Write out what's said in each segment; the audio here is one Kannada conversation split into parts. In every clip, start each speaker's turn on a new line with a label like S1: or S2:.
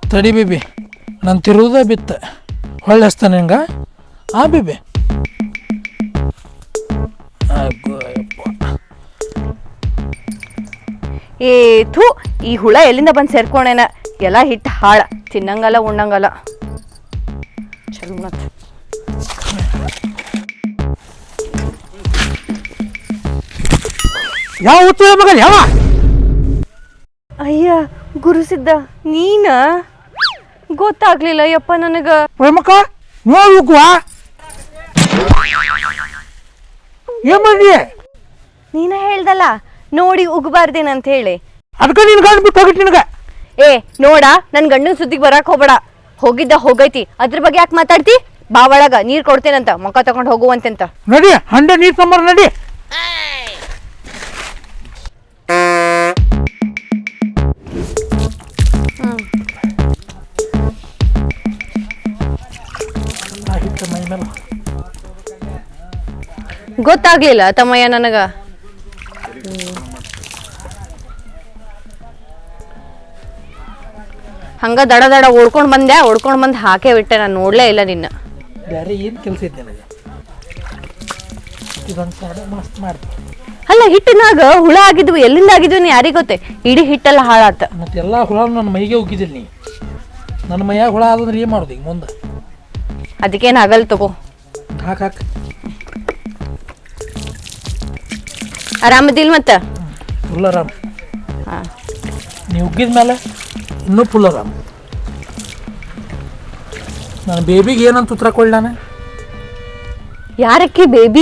S1: ತಡಿ ಬೇಬಿ ನಾನು ತಿರುವುದ ಬಿತ್ತ ಹೊಳ್ಳೆ ಹಚ್ತಾನೆ ಹಿಂಗೆ ಬೇಬಿ
S2: ಥೂ ಈ ಹುಳ ಎಲ್ಲಿಂದ ಬಂದು ಸೇರ್ಕೊಂಡೇನ ಎಲ್ಲ ಹಿಟ್ಟು ಹಾಳ ತಿನ್ನಂಗಲ್ಲ ಉಣ್ಣಂಗಲ್ಲ ಚಲೋ ಮತ್
S1: ಯಾವ ಉತ್ತರ ಮಗ ಯಾವ
S2: ಅಯ್ಯ ಗುರುಸಿದ್ದ ನೀನ ಗೊತ್ತಾಗ್ಲಿಲ್ಲ ಯಪ್ಪ ನನಗ
S1: ಮಕ್ಕ ನೋಡ್ಬೇಕುವಾ ಏನ್ ಮಾಡಿ
S2: ನೀನ ಹೇಳ್ದಲ್ಲ ನೋಡಿ ಉಗ್ಬಾರ್ದೇನಂತ ಹೇಳಿ
S1: ಅದಕ್ಕೆ ನೀನು ಗಂಡು ಬಿಟ್ಟು ಹೋಗಿಟ್ಟು ನಿನಗೆ
S2: ನೋಡ ನನ್ ಗಂಡನ ಸುದ್ದಿಗೆ ಬರಾಕ್ ಹೋಗ್ಬೇಡ ಹೋಗಿದ್ದ ಹೋಗೈತಿ ಅದ್ರ ಬಗ್ಗೆ ಯಾಕೆ ಮಾತಾಡ್ತಿ ಬಾ ಒಳಗ ನೀರ್ ಕೊಡ್ತೇನಂತ ಮುಖ ತಗೊಂಡ್ ಹೋಗುವಂತೆಂತ
S1: ನಡಿ ಹಂಡೆ ನೀರ್ ತಂಬರ್ ನಡಿ
S2: ಗೊತ್ತಾಗ್ಲಿಲ್ಲ ತಮ್ಮಯ್ಯ ನನಗ ಹಂಗ ದಡ ದಡ ಓಡ್ಕೊಂಡ್ ಬಂದ್ ಹಾಕೇ ಬಿಟ್ಟೆ ನಾನು ನೋಡ್ಲೇ ಇಲ್ಲ ನಿನ್ನ
S1: ಬೇರೆ ಏನು ಕೆಲಸ ಐತೆ ನನಗೆ ಇದೊಂದು ಸಾಡೆ ಮಸ್ತ್ ಮಾಡ್ತೀನಿ
S2: ಅಲ್ಲ ಹಿಟ್ಟಿನಾಗ ಹುಳ ಆಗಿದ್ವು ಎಲ್ಲಿಂದ ಆಗಿದ್ವು ನೀ ಯಾರಿಗೆ ಗೊತ್ತೇ ಇಡೀ ಹಿಟ್ಟೆಲ್ಲ ಹಾಳಾತ
S1: ಮತ್ತೆಲ್ಲ ಹುಳ ನನ್ನ ಮೈಗೆ ಉಗ್ಗಿದಿಲ್ಲ ನೀ ನನ್ನ ಮೈಯಾಗ ಹುಳ ಆದಂದ್ರೆ ಏನು ಮಾಡೋದು ಈಗ ಮುಂದೆ
S2: ಅದಕ್ಕೇನು ಆಗಲ್ ತಗೋ
S1: ಹಾಕ್
S2: ಆರಾಮದಿಲ್ ಮತ್ತ
S1: ಫುಲ್ ಆರಾಮ್ ನೀವು ಉಗ್ಗಿದ ಮೇಲೆ ಇನ್ನೂ ಫುಲ್ ಆರಾಮ್ ನಾನು ಬೇಬಿಗೆ ಏನಂತ ಉತ್ತರ ಕೊಡ್ಲಿ ನಾನು
S2: ಯಾರಕ್ಕೆ ಬೇಬಿ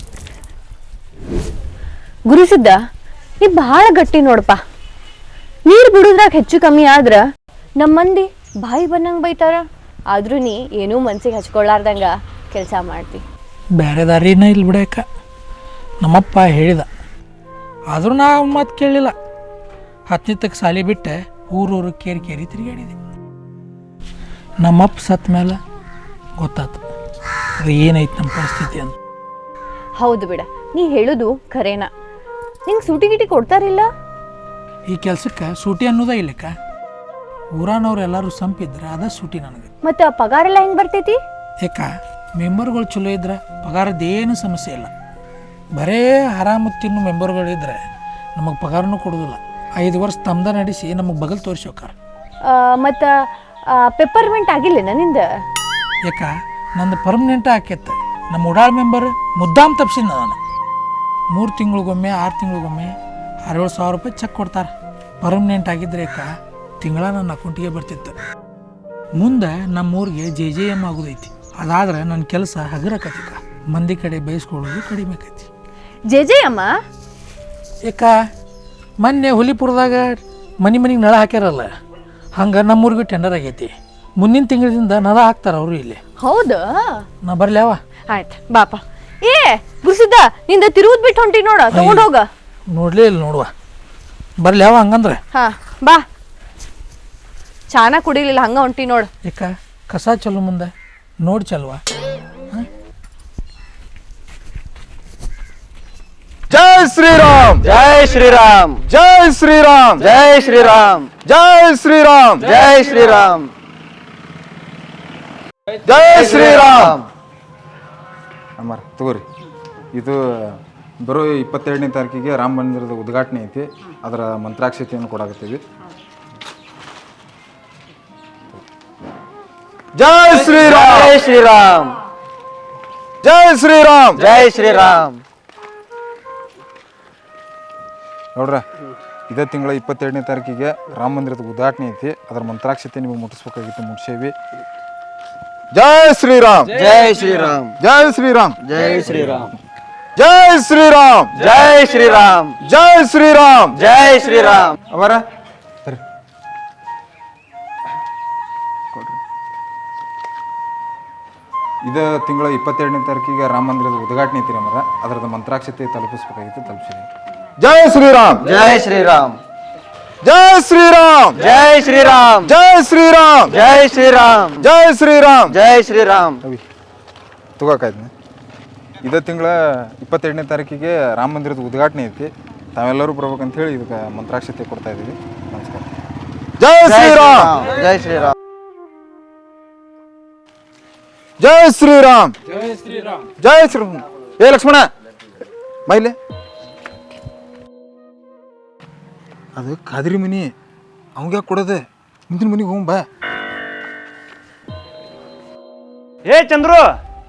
S2: ಗುರುಸಿದ್ದ ನೀ ಬಹಳ ಗಟ್ಟಿ ನೋಡಪ್ಪ ನೀರ್ ಬಿಡುದ್ರಾಗ ಹೆಚ್ಚು ಕಮ್ಮಿ ಆದ್ರ ನಮ್ಮ ಮಂದಿ ಬಾಯಿ ಬಂದಂಗ ಬೈತಾರ ಆದ್ರೂ ನೀ ಏನೂ ಮನ್ಸಿಗೆ ಹಚ್ಕೊಳ್ಳಾರ್ದಂಗ ಕೆಲಸ ಮಾಡ್ತಿ
S1: ಬೇರೆ ದಾರಿನ ಇಲ್ಲಿ ಬಿಡಕ್ಕ ನಮ್ಮಪ್ಪ ಹೇಳಿದ ಆದರೂ ನಾ ಅವ್ನ ಮಾತು ಕೇಳಲಿಲ್ಲ 10ನೇ ತಕ್ಕ ಸಾಲಿ ಬಿಟ್ಟೆ ಊರೂರು ಕೇರಿ ತಿರುಗಾಡಿದೆ ನಮ್ಮಪ್ಪ ಸತ್ತ ಮೇಲೆ ಗೊತ್ತಾತು ಅದು ಏನೈತೆ ನಮ್ಮ ಪರಿಸ್ಥಿತಿ ಅಂತ
S2: ಹೌದು ಬಿಡ ನೀ ಹೇಳುದು ಖರೇನ ನಿಂಗೆ ಸೂಟಿ ಗಿಟಿ ಕೊಡ್ತಾರಿಲ್ಲ
S1: ಈ ಕೆಲಸಕ್ಕೆ ಸೂಟಿ ಅನ್ನೋದ ಇಲ್ಲಕ್ಕ ಊರಾನವ್ರು ಎಲ್ಲರೂ ಸಂಪಿದ್ರೆ ಅದ ಸೂಟಿ ನನಗೆ
S2: ಮತ್ತೆ ಪಗಾರ ಎಲ್ಲ ಹೆಂಗ್ ಬರ್ತೈತಿ
S1: ಯಾಕ ಮೆಂಬರ್ಗಳು ಚಲೋ ಇದ್ರೆ ಪಗಾರದ್ದೇನು ಸಮಸ್ಯೆ ಇಲ್ಲ ಬರೇ ಆರಾಮ ತಿನ್ನು ಮೆಂಬರ್ಗಳಿದ್ರೆ ನಮಗೆ ಪಗಾರನೂ ಕೊಡೋದಿಲ್ಲ 5 ವರ್ಷ ತಮ್ದ ನಡೆಸಿ ನಮಗೆ ಬಗಲ್ ತೋರಿಸಿ ಹೋಕಾರ
S2: ಮತ್ತು ಪೆಪ್ಪರ್ಮೆಂಟ್ ಆಗಿಲ್ಲ ನಿಂದ
S1: ಯಾಕ ನಂದು ಪರ್ಮನೆಂಟ್ ಆಕೈತೆ ನಮ್ಮ ಉಡಾಳ್ ಮೆಂಬರ್ ಮುದ್ದಾಮ್ ತಪ್ಸಿನ ನಾನು 3 ತಿಂಗಳಿಗೊಮ್ಮೆ 6 ತಿಂಗಳಿಗೊಮ್ಮೆ 6-7 ಸಾವಿರ ರೂಪಾಯಿ ಚೆಕ್ ಕೊಡ್ತಾರೆ ಪರ್ಮನೆಂಟ್ ಆಗಿದ್ರೆ ಯಾಕ ತಿಂಗಳ ನನ್ನ ಅಕೌಂಟಿಗೆ ಬರ್ತಿತ್ತು ಮುಂದೆ ನಮ್ಮೂರಿಗೆ JJM ಆಗೋದೈತಿ ಅದಾದ್ರೆ ನನ್ನ ಕೆಲಸ ಹಗರಕತಿಕ ಮಂದಿ ಕಡೆ ಬಯಸ್ಕೊಳ್ಳೋದು ಕಡಿಮೆ ಆಕೈತಿ
S2: JJM
S1: ಯಾಕ ಮೊನ್ನೆ ಹುಲಿಪುರದಾಗ ಮನೆಗೆ ನಳ ಹಾಕ್ಯಾರಲ್ಲ ಹಂಗೆ ನಮ್ಮೂರಿಗೂ ಟೆಂಡರ್ ಆಗೈತಿ ಮುಂದಿನ ತಿಂಗಳಿಂದ ನಳ ಹಾಕ್ತಾರ ಅವರು ಇಲ್ಲಿ
S2: ಹೌದಾ
S1: ನಾ ಬರ್ಲಿ ಅವ
S2: ಆಯ್ತು ಬಾಪ ಗುರುಸಿದ್ದ ನಿಂದ ತಿರುವುದ್ ಬಿಟ್ಟು ಹೊಂಟಿ ನೋಡ ತಗೊಂಡೋಗ
S1: ನೋಡ್ಲೇ ಇಲ್ಲ ನೋಡುವ ಬರ್ಲಿ ಅವ ಹಂಗಂದ್ರೆ
S2: ಹಾ ಬಾ ಚಾನ ಕುಡಿಲಿಲ್ಲ ಹಂಗ ಹೊಂಟಿ ನೋಡ
S1: ಯಾಕ ಕಸ ಚಲೋ ಮುಂದೆ ನೋಡಿ ಚಲ್ವಾ
S3: ಜೈ ಶ್ರೀರಾಮ್ ಜೈ ಶ್ರೀರಾಮ್ ಜೈ ಶ್ರೀರಾಮ್ ಜೈ ಶ್ರೀರಾಮ್ ಜೈ ಶ್ರೀರಾಮ್ ಜೈ ಶ್ರೀರಾಮ್ ಜೈ ಶ್ರೀರಾಮ್ ಅಮ್ಮಾರ ತಗೋರಿ ಇದು ಬರೋ 22ನೇ ತಾರೀಕಿಗೆ ರಾಮ ಮಂದಿರದ ಉದ್ಘಾಟನೆ ಐತಿ ಅದರ ಮಂತ್ರಾಕ್ಷತೆಯನ್ನು ಕೊಡಾಕತ್ತೀವಿ ಜೈ ಶ್ರೀರಾಮ್ ಜೈ ಶ್ರೀರಾಮ್ ಜೈ ಶ್ರೀರಾಮ್ ಜೈ ಶ್ರೀರಾಮ್ ನೋಡ್ರ ಇದೇ ತಿಂಗಳ 22ನೇ ತಾರೀಕಿಗೆ ರಾಮ ಮಂದಿರದ ಉದ್ಘಾಟನೆ ಐತಿ ಅದರ ಮಂತ್ರಾಕ್ಷತೆ ನಿಮಗೆ ಮುಟ್ಟಿಸ್ಬೇಕಾಗಿತ್ತು ಮುಟ್ಸೇವಿ ಜೈ ಶ್ರೀರಾಮ್ ಜೈ ಶ್ರೀರಾಮ್ ಜೈ ಶ್ರೀರಾಮ್ ಜೈ ಶ್ರೀರಾಮ್ ಜೈ ಶ್ರೀರಾಮ್ ಜೈ ಶ್ರೀರಾಮ್ ಜೈ ಶ್ರೀರಾಮ್ ಜೈ ಶ್ರೀರಾಮ್ ಅವರ ಇದೇ ತಿಂಗಳ 22ನೇ ತಾರೀಕಿಗೆ ರಾಮ ಮಂದಿರದ ಉದ್ಘಾಟನೆ ಐತಿ ಅಮರ ಅದರದ ಮಂತ್ರಾಕ್ಷತೆ ತಲುಪಿಸ್ಬೇಕಾಗಿತ್ತು ತಲುಪಿಸಿದೆ ಜೈ ಶ್ರೀರಾಮ್ ಜೈ ಶ್ರೀರಾಮ್ ಜೈ ಶ್ರೀರಾಮ್ ಜೈ ಶ್ರೀರಾಮ್ ಜೈ ಶ್ರೀರಾಮ್ ಜೈ ಶ್ರೀರಾಮ್ ಜೈ ಶ್ರೀರಾಮ್ ಜೈ ಶ್ರೀರಾಮ್ ತಗೋಕಾಯ್ತು ಇದೇ ತಿಂಗಳ 22ನೇ ತಾರೀಕಿಗೆ ರಾಮ ಮಂದಿರದ ಉದ್ಘಾಟನೆ ಐತಿ ತಾವೆಲ್ಲರೂ ಬರ್ಬೇಕಂತ ಹೇಳಿ ಇದಕ್ಕೆ ಮಂತ್ರಾಕ್ಷತೆ ಕೊಡ್ತಾ ಇದ್ದೀವಿ ನಮಸ್ಕಾರ ಜೈ ಶ್ರೀರಾಮ್
S4: ಜೈ ಶ್ರೀರಾಮ್
S3: ಜೈ ಶ್ರೀರಾಮ್ ಜೈ ಶ್ರೀರಾಮ್ ಜೈ ಶ್ರೀರಾಮ್. ಏ ಲಕ್ಷ್ಮಣ ಮೈಲೆ ಅದು ಕಾದ್ರಿ ಮನಿ ಅವಂಗ ಕೊಡೋದೆ ಮುಂದಿನ ಮನಿಗೆ ಹೋಗ್ ಬಾ.
S5: ಏ ಚಂದ್ರು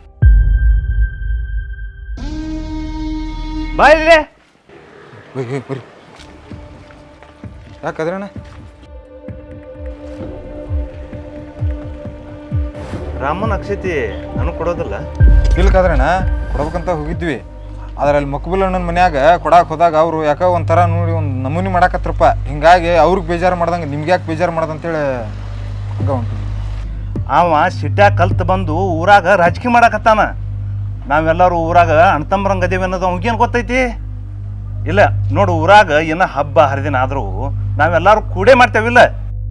S5: ಬಾ ಇಲ್ಲಿ.
S3: ಬರ್ರಿ ಯಾಕದ್ರಣ್ಣ
S5: ರಾಮನ ಅಕ್ಷತಿ ನನಗೆ ಕೊಡೋದಿಲ್ಲ.
S3: ಇಲ್ಕಾದ್ರಣ್ಣ ಕೊಡ್ಬೇಕಂತ ಹೋಗಿದ್ವಿ, ಆದ್ರೆ ಅಲ್ಲಿ ಮಕ್ಬುಲ್ ಅಣ್ಣನ ಮನ್ಯಾಗ ಕೊಡಾಕ್ ಹೋದಾಗ ಅವರು ಯಾಕೆ ಒಂಥರ ನೋಡಿ ಒಂದು ನಮೂನಿ ಮಾಡಾಕತ್ರಪ್ಪ. ಹಿಂಗಾಗಿ ಅವ್ರಿಗೆ ಬೇಜಾರು ಮಾಡ್ದಂಗೆ ನಿಮ್ಗೆ ಯಾಕೆ ಬೇಜಾರು ಮಾಡ್ದಂತೇಳಿ ಹಂಗ ಉಂಟು.
S5: ಅವ ಸಿಟ್ಯಾಗ ಕಲ್ತು ಬಂದು ಊರಾಗ ರಾಜಕೀಯ ಮಾಡಾಕತ್ತಾನ. ನಾವೆಲ್ಲರೂ ಊರಾಗ ಅಣ್ತಂಬ್ರಂಗೆ ಅದೇವಿ ಅನ್ನೋದು ಅವ್ಗೇನು ಗೊತ್ತೈತಿ? ಇಲ್ಲ ನೋಡು, ಊರಾಗ ಏನೋ ಹಬ್ಬ ಹರಿದಿನ ಆದರೂ ನಾವೆಲ್ಲರೂ ಕೂಡೇ ಮಾಡ್ತೇವಿಲ್ಲ.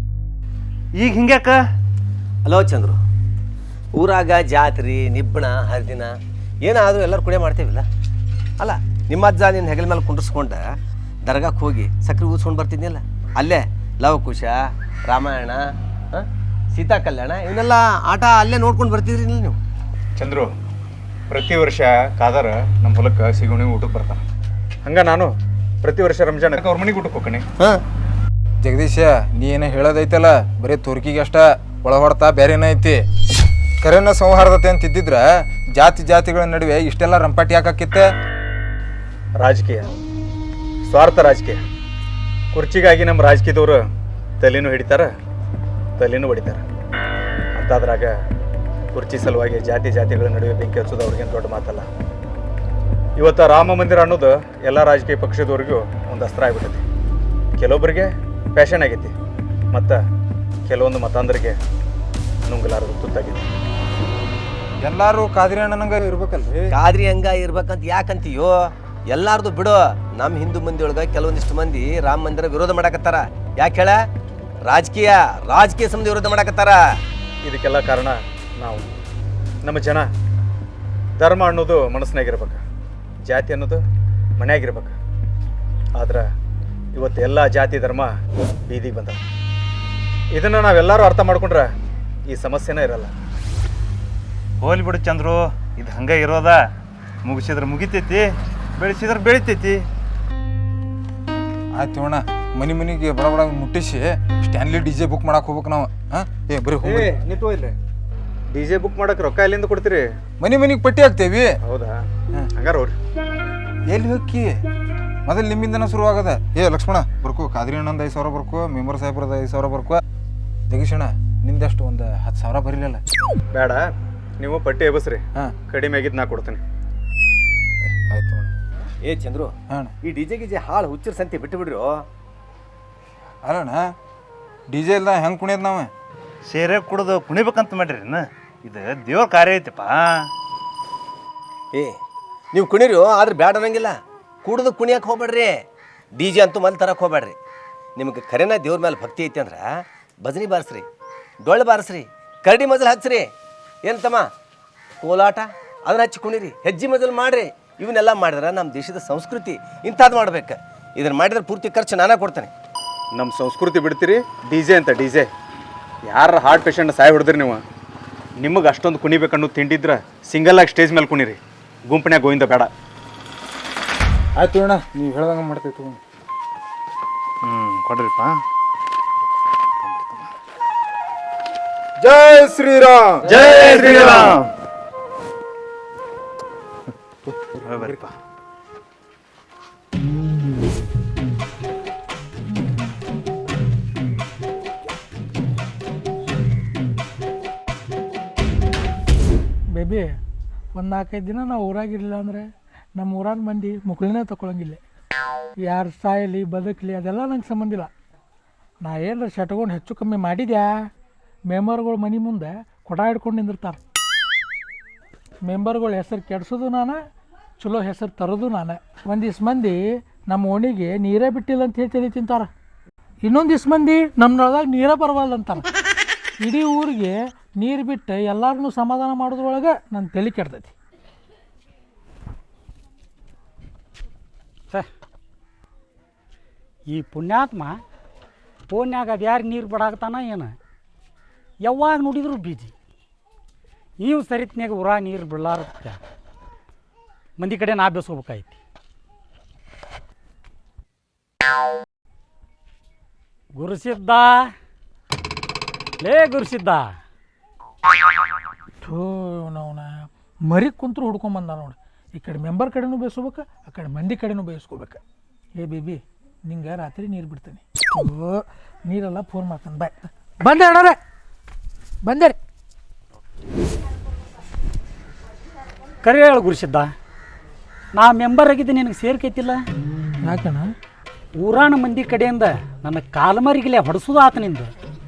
S5: ಈಗ ಹಿಂಗ್ಯಾಕ?
S4: ಹಲೋ ಚಂದ್ರು, ಊರಾಗ ಜಾತ್ರೆ ನಿಬ್ಬಣ ಹರಿದಿನ ಏನಾದರೂ ಎಲ್ಲರೂ ಕುಡಿಯ ಮಾಡ್ತೇವಿಲ್ಲ. ಅಲ್ಲ ನಿಮ್ಮ ಅಜ್ಜ ನಿನ್ನ ಹೆಗಲ ಮೇಲೆ ಕುಂಡ್ರಿಸ್ಕೊಂಡ ದರ್ಗಾಕ್ಕೆ ಹೋಗಿ ಸಕ್ರೆ ಊದ್ಸ್ಕೊಂಡು ಬರ್ತಿದ್ನಿಲ್ಲ, ಅಲ್ಲೇ ಲವಕುಶ, ರಾಮಾಯಣ, ಸೀತಾ ಕಲ್ಯಾಣ ಇವನ್ನೆಲ್ಲ ಆಟ ಅಲ್ಲೇ ನೋಡ್ಕೊಂಡು ಬರ್ತಿದ್ರಿ ನೀವು.
S5: ಚಂದ್ರು, ಪ್ರತಿ ವರ್ಷ ಕಾದರ ನಮ್ಮ ಹೊಲಕ್ಕೆ ಸಿಗುಣಿ ಊಟಕ್ಕೆ ಬರ್ತಾನೆ. ಹಂಗ ನಾನು ಪ್ರತಿ ವರ್ಷ ರಂಜಾನಕ್ಕೆ ಅವ್ರ ಮನೆಗೆ ಊಟಕ್ಕೆ ಹೋಗ್ತೀನಿ.
S4: ಹಾಂ
S3: ಜಗದೀಶ, ನೀ ಏನೋ ಹೇಳೋದೈತಲ್ಲ ಬರೀ ತುರ್ಕಿಗೆ ಅಷ್ಟ ಒಳ ಹೊಡ್ತಾ ಬೇರೆನೇ ಐತಿ. ಕರೆನ ಸೌಹಾರ್ದತೆ ಅಂತ ಇದ್ದಿದ್ರ ಜಾತಿಗಳ ನಡುವೆ ಇಷ್ಟೆಲ್ಲ ರಂಪಾಟಿ ಯಾಕಾಕಿತ್ತೆ?
S5: ರಾಜಕೀಯ, ಸ್ವಾರ್ಥ ರಾಜಕೀಯ. ಕುರ್ಚಿಗಾಗಿ ನಮ್ಮ ರಾಜಕೀಯದವರು ತಲೆನೂ ಹಿಡಿತಾರ, ತಲೆನೂ ಹೊಡಿತಾರ. ಅಂತಾದ್ರಾಗ ಕುರ್ಚಿ ಸಲುವಾಗಿ ಜಾತಿಗಳ ನಡುವೆ ಬೆಂಕಿ ಹಚ್ಚೋದು ಅವ್ರಿಗೇನು ದೊಡ್ಡ ಮಾತಲ್ಲ. ಇವತ್ತು ರಾಮ ಮಂದಿರ ಅನ್ನೋದು ಎಲ್ಲ ರಾಜಕೀಯ ಪಕ್ಷದವ್ರಿಗೂ ಒಂದು ಅಸ್ತ್ರ ಆಗ್ಬಿಟ್ಟೈತಿ. ಕೆಲವೊಬ್ಬರಿಗೆ ಫ್ಯಾಷನ್ ಆಗೈತಿ, ಮತ್ತು ಕೆಲವೊಂದು ಮತಾಂಧರಿಗೆ ನುಂಗಲಾರದು ತುತ್ತಾಗೈತಿ.
S3: ಎಲ್ಲಾರು ಕಾದ್ರಿ ಅಣ್ಣನಂಗ ಇರ್ಬೇಕಲ್ರಿ.
S4: ಕಾದ್ರಿ ಹಂಗ ಇರ್ಬೇಕಂತ ಯಾಕಂತೀಯೋ? ಎಲ್ಲಾರ್ದು ಬಿಡು. ನಮ್ಮ ಹಿಂದೂ ಮಂದಿ ಒಳಗೆ ಕೆಲವೊಂದಿಷ್ಟು ಮಂದಿ ರಾಮ ಮಂದಿರ ವಿರೋಧ ಮಾಡಕತ್ತಾರ. ಯಾಕೆ ಹೇಳ? ರಾಜಕೀಯ ಸಂಬಂಧ ವಿರೋಧ ಮಾಡಕತ್ತಾರ.
S5: ಇದಕ್ಕೆಲ್ಲ ಕಾರಣ ನಾವು, ನಮ್ಮ ಜನ. ಧರ್ಮ ಅನ್ನೋದು ಮನಸ್ಸಿನಾಗಿರ್ಬೇಕು, ಜಾತಿ ಅನ್ನೋದು ಮನೆಯಾಗಿರ್ಬೇಕು. ಆದ್ರೆ ಇವತ್ತು ಎಲ್ಲ ಜಾತಿ ಧರ್ಮ ಬೀದಿಗೆ ಬಂದ. ಇದನ್ನು ನಾವೆಲ್ಲರೂ ಅರ್ಥ ಮಾಡ್ಕೊಂಡ್ರೆ ಈ ಸಮಸ್ಯೆನೇ ಇರಲ್ಲ. ಹೋಲಿ ಬಿಡು ಚಂದ್ರು, ಇದು ಹಂಗೆ ಇರೋದ. ಮುಗಿಸಿದ್ರೆ ಮುಗಿತೈತಿ, ಬೆಳೆಸಿದ್ರೆ ಬೆಳಿತೈತಿ.
S3: ಆಯ್ತು ಅಣ್ಣ, ಮನಿಗೆ ಬಡ ಮುಟ್ಟಿಸಿ ಸ್ಟ್ಯಾನ್ಲಿ DJ ಬುಕ್ ಮಾಡಕ್ ಹೋಗ್ಬೇಕು ನಾವು. ಏ ಬರೀ ಹೋಗಿ
S5: ನಿಂತು ಇಲ್ಲಿ DJ ಬುಕ್ ಮಾಡಕ್ಕೆ ರೊಕ್ಕ ಎಲ್ಲಿಂದ ಕೊಡ್ತೀರಿ?
S3: ಮನಿಗೆ ಪಟ್ಟಿ ಹಾಕ್ತೇವಿ.
S5: ಹೌದಾ? ಹಂಗಾರ ಹೋಗ್ರಿ.
S3: ಎಲ್ಲಿ ಹೋಗಿ ಮೊದಲು ನಿಮ್ಮಿಂದನ ಶುರು ಆಗದ. ಏ ಲಕ್ಷ್ಮಣ ಬರ್ಕೋ, ಕಾದ್ರಿ ಅಣ್ಣಂದು 5,000 ಬರ್ಕೋ, ಮೆಂಬರ್ ಸಾಹೇಬ್ರದ 5,000 ಬರ್ಕೋ. ಜಗೀಶಣ್ಣ ನಿಂದಷ್ಟು ಒಂದು 10,000 ಬರೀಲಿಲ್ಲ.
S5: ಬೇಡ, ನೀವು ಪಟ್ಟಿ ಎಬಸ್ರಿ.
S3: ಹಾಂ
S5: ಕಡಿಮೆ ಆಗಿದ್ದು ನಾ ಕೊಡ್ತೀನಿ.
S3: ಆಯ್ತು ಅಣ್ಣ.
S4: ಏ ಚಂದ್ರು,
S3: ಹಾಂ
S4: ಈ ಡಿಜೆ ಗಿಜೆ ಹಾಳು ಹುಚ್ಚರ ಸಂತೆ ಬಿಟ್ಟು ಬಿಡ್ರು.
S3: ಅಲ್ಲಣ್ಣ, DJ ಇಲ್ದ ಹೆಂಗೆ ಕುಣಿಯೋದು ನಾವು?
S5: ಸೇರೆ ಕುಡ್ದು ಕುಣಿಬೇಕಂತ ಮಾಡ್ರಿ. ಇದು ದೇವ್ರ ಕಾರ್ಯ ಐತಿಪ್ಪ.
S4: ಏ ನೀವು ಕುಣಿರಿ, ಆದ್ರೆ ಬ್ಯಾಡ ಅನ್ನಂಗಿಲ್ಲ. ಕುಡ್ದು ಕುಣಿಯಕ್ಕೆ ಹೋಗ್ಬೇಡ್ರಿ. DJ ಅಂತೂ ಮಲ್ಲಿ ತರಕ್ಕೆ ಹೋಗ್ಬೇಡ್ರಿ. ನಿಮಗೆ ಖರೇನ ದೇವ್ರ ಮೇಲೆ ಭಕ್ತಿ ಐತಿ ಅಂದ್ರೆ ಭಜನಿ ಬಾರಿಸ್ರಿ, ಡೊಳ್ಳು ಬಾರಿಸ್ರಿ, ಕರಡಿ ಮಜಲ್ ಹಚ್ಚ್ರಿ. ಏನು ತಮ್ಮ, ಕೋಲಾಟ ಅದನ್ನ ಹಚ್ಚಿ ಕುಣಿರಿ, ಹೆಜ್ಜೆ ಮಜಲ್ ಮಾಡಿರಿ. ಇವನ್ನೆಲ್ಲ ಮಾಡಿದ್ರೆ ನಮ್ಮ ದೇಶದ ಸಂಸ್ಕೃತಿ ಇಂಥದ್ದು ಮಾಡ್ಬೇಕು. ಇದನ್ನು ಮಾಡಿದ್ರೆ ಪೂರ್ತಿ ಖರ್ಚು ನಾನೇ ಕೊಡ್ತೇನೆ.
S5: ನಮ್ಮ ಸಂಸ್ಕೃತಿ ಬಿಡ್ತೀರಿ DJ ಅಂತ. DJ ಯಾರ ಹಾರ್ಟ್ ಪೇಷಂಟ್ ಸಾಯ್ ಹೊಡೆದ್ರಿ ನೀವು? ನಿಮಗೆ ಅಷ್ಟೊಂದು ಕುಣಿಬೇಕನ್ನೋ ತಿಂಡಿದ್ರೆ ಸಿಂಗಲ್ ಆಗಿ ಸ್ಟೇಜ್ ಮೇಲೆ ಕುಣಿರಿ, ಗುಂಪನ್ಯಾಗ ಗೋವಿಂದ ಬೇಡ.
S3: ಆಯ್ತು ಅಣ್ಣ, ನೀವು ಹೇಳ್ದಂಗೆ ಮಾಡ್ತೈತು.
S5: ಕೊಡ್ರಿಪ್ಪ.
S3: ಜೈ ಶ್ರೀರಾಮ್
S5: ಜೈ ಶ್ರೀರಾಮ್. ಬರ್ರಿಪ್ಪ.
S1: ಬೇಬಿ, ಒಂದು 4-5 ದಿನ ನಾವು ಊರಾಗಿರಲಿಲ್ಲ ಅಂದರೆ ನಮ್ಮ ಊರಾನ ಮಂದಿ ಮುಕ್ಳಿನೇ ತಗೊಳಂಗಿಲ್ಲ. ಯಾರು ಸಾಯಲಿ ಬದುಕಲಿ ಅದೆಲ್ಲ ನಂಗೆ ಸಂಬಂಧ ಇಲ್ಲ. ನಾ ಏನಾರ ಶಟ್ಕೊಂಡು ಹೆಚ್ಚು ಕಮ್ಮಿ ಮಾಡಿದ್ಯಾ, ಮೆಂಬರ್ಗಳು ಮನೆ ಮುಂದೆ ಕೊಡ ಹಿಡ್ಕೊಂಡು ನಿಂದಿರ್ತಾರೆ. ಮೆಂಬರ್ಗಳ ಹೆಸರು ಕೆಡ್ಸೋದು ನಾನು, ಚಲೋ ಹೆಸರು ತರೋದು ನಾನು. ಒಂದಿಷ್ಟು ಮಂದಿ ನಮ್ಮ ಓಣಿಗೆ ನೀರೇ ಬಿಟ್ಟಿಲ್ಲ ಅಂತ ಹೇಳಿ ತಲೆ ತಿಂತಾರೆ. ಇನ್ನೊಂದಿಷ್ಟು ಮಂದಿ ನಮ್ಮನೊಳದಾಗ ನೀರೇ ಬರವಲ್ಲ ಅಂತಾರೆ. ಇಡೀ ಊರಿಗೆ ನೀರು ಬಿಟ್ಟು ಎಲ್ಲರನ್ನೂ ಸಮಾಧಾನ ಮಾಡೋದ್ರೊಳಗೆ ನನ್ನ ತಲೆ ಕೆಡ್ತೈತಿ.
S6: ಈ ಪುಣ್ಯಾತ್ಮ ಫೋನ್ಯಾಗ ಅದು ಯಾರು ನೀರು ಬಿಡಾಕ್ತಾನ ಏನು ಯಾವಾಗ ನೋಡಿದ್ರು ಬೀಜಿ ನೀವು ಸರಿತ್ನಾಗ ಊರ ನೀರು ಬಿಡಲಾರ ಮಂದಿ ಕಡೆ ನಾ ಬೇಸ್ಕೋಬೇಕಾಯ್ತಿ. ಗುರುಸಿದ್ದ ಲೇ ಗುರುಸಿದ್ದ
S1: ಥೂ ಅವನ ಮರಿ ಕುಂತ್ರು ಹುಡ್ಕೊಂಬಂದ ನೋಡಿ. ಈ ಕಡೆ ಮೆಂಬರ್ ಕಡೆನೂ ಬೇಯಿಸ್ಕೋಬೇಕು, ಆ ಕಡೆ ಮಂದಿ ಕಡೆನೂ ಬೇಯಿಸ್ಕೋಬೇಕು. ಏ ಬೇಬಿ ನಿಂಗೆ ರಾತ್ರಿ ನೀರು ಬಿಡ್ತೀನಿ. ಓ ನೀರೆಲ್ಲ ಫೋನ್ ಮಾಡ್ತಾನೆ. ಬಾಯ್ ಬಂದೆ ಅಣ್ಣಾರೆ, ಬಂದೆ ರೀ.
S6: ಕರೆ ಹೇಳು ಗುರುಸಿದ್ದ, ನಾ ಮೆಂಬರ್ ಆಗಿದ್ದೆ ನಿನಗೆ ಸೇರ್ಕೈತಿಲ್ಲ.
S1: ಯಾಕಣ್ಣ?
S6: ಊರಾಣ ಮಂದಿ ಕಡೆಯಿಂದ ನನ್ನ ಕಾಲಮರಿಗಿಲೆ ಹೊಡೆಸೋದು ಆತನಿಂದ.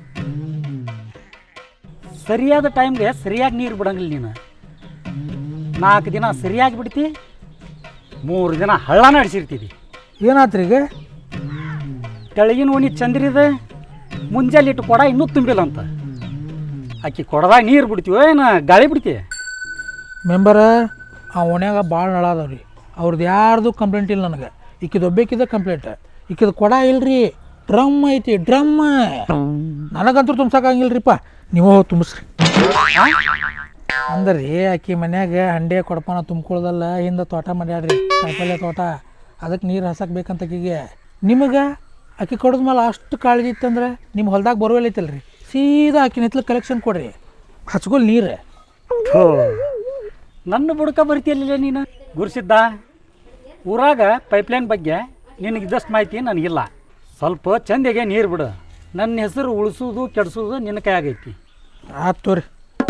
S6: ಸರಿಯಾದ ಟೈಮ್ಗೆ ಸರಿಯಾಗಿ ನೀರು ಬಿಡಂಗಿಲ್ಲ ನೀನು. 4 ದಿನ ಸರಿಯಾಗಿ ಬಿಡ್ತಿ, 3 ದಿನ ಹಳ್ಳನ ಅಡಿಸಿರ್ತೀವಿ.
S1: ಏನಾತ್ರಿ ಈಗ?
S6: ತೆಳಗಿನ ಓಣಿ ಚಂದ್ರಿದೆ, ಮುಂಜಾನೆ ಇಟ್ಟು ಕೊಡ ಇನ್ನೂ ತುಂಬಿಲ್ಲ ಅಂತ. ಆಕಿ ಕೊಡದಾಗ ನೀರು ಬಿಡ್ತೀವೋ ಏನು ಗಾಳಿ ಬಿಡ್ತೀವಿ?
S1: ಮೆಂಬರ ಆ ಓಣ್ಯಾಗ ಭಾಳ ನಳ ಅದಾವ ರೀ. ಅವ್ರದ್ದು ಯಾರ್ದು ಕಂಪ್ಲೇಂಟ್ ಇಲ್ಲ ನನಗೆ. ಈಕಿದು ಒಬ್ಬೇಕಿದೆ ಕಂಪ್ಲೇಂಟ್. ಈಕಿದು ಕೊಡ ಇಲ್ರಿ, ಡ್ರಮ್ ಐತಿ, ಡ್ರಮ್. ನನಗಂತೂ ತುಂಬ್ಸೋಕ್ಕಾಗಿಲ್ಲ ರೀಪ್ಪ, ನೀವು ಹೋಗಿ ತುಂಬಿಸ್ರಿ ಅಂದ್ರೆ ರೀ. ಆಕಿ ಮನ್ಯಾಗ ಹಂಡೆ ಕೊಡಪಾನ ತುಂಬ್ಕೊಳ್ದಲ್ಲ, ಹಿಂದೆ ತೋಟ ಮಾಡ್ಯಾಡ್ರಿ, ಕಾಯಿಪಲ್ಯ ತೋಟ. ಅದಕ್ಕೆ ನೀರು ಹಸಕ್ಕೆ ಬೇಕಂತ ಆಕಿಗೆ. ನಿಮಗೆ ಆಕಿ ಕೊಡದ್ಮೇಲೆ ಅಷ್ಟು ಕಾಳಜಿ ಇತ್ತಂದ್ರೆ ನಿಮ್ಮ ಹೊಲ್ದಾಗ ಬೋರ್ವೆಲ್ ಐತಲ್ಲ ರೀ, ಸೀದಾ ಆಕಿನ ಹಿತ್ಲ ಕಲೆಕ್ಷನ್ ಕೊಡ್ರಿ, ಹಚ್ಕೊಲ್ ನೀರು.
S6: ಹೋ, ನನ್ನ ಬುಡಕ ಬರ್ತೀಯಲ್ಲ ನೀನು. ಗುರುಸಿದ್ದ, ಊರಾಗ ಪೈಪ್ಲೈನ್ ಬಗ್ಗೆ ನಿನಗೆ ಇದಷ್ಟು ಮಾಹಿತಿ ನನಗಿಲ್ಲ. ಸ್ವಲ್ಪ ಚಂದಿಗೆ ನೀರು ಬಿಡು. ನನ್ನ ಹೆಸರು ಉಳಿಸೋದು ಕೆಡಿಸೋದು ನಿನ್ನ ಕೈ ಆಗೈತಿ.
S1: ಆಯ್ತು ತೋರಿ.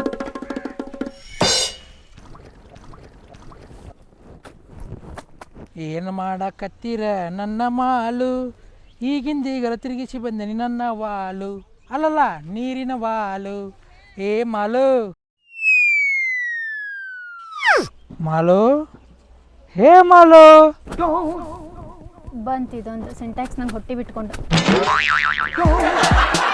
S1: ಏನು ಮಾಡಕತ್ತೀರ ನನ್ನ ಮಾಲು, ಈಗಿಂದೀಗರ ತಿರುಗಿಸಿ ಬಂದೇನಿ ನನ್ನ ವಾಲು. ಅಲ್ಲಲ್ಲ ನೀರಿನ ವಾಲು. ಏ ಮಾಲು, ಮಾಲು, ಹೇ ಮಾಲು.
S7: ಬಂತಿದೊಂದು ಸಿಂಟ್ಯಾಕ್ಸ್ ನಂಗೆ ಹೊಟ್ಟೆ ಬಿಟ್ಕೊಂಡು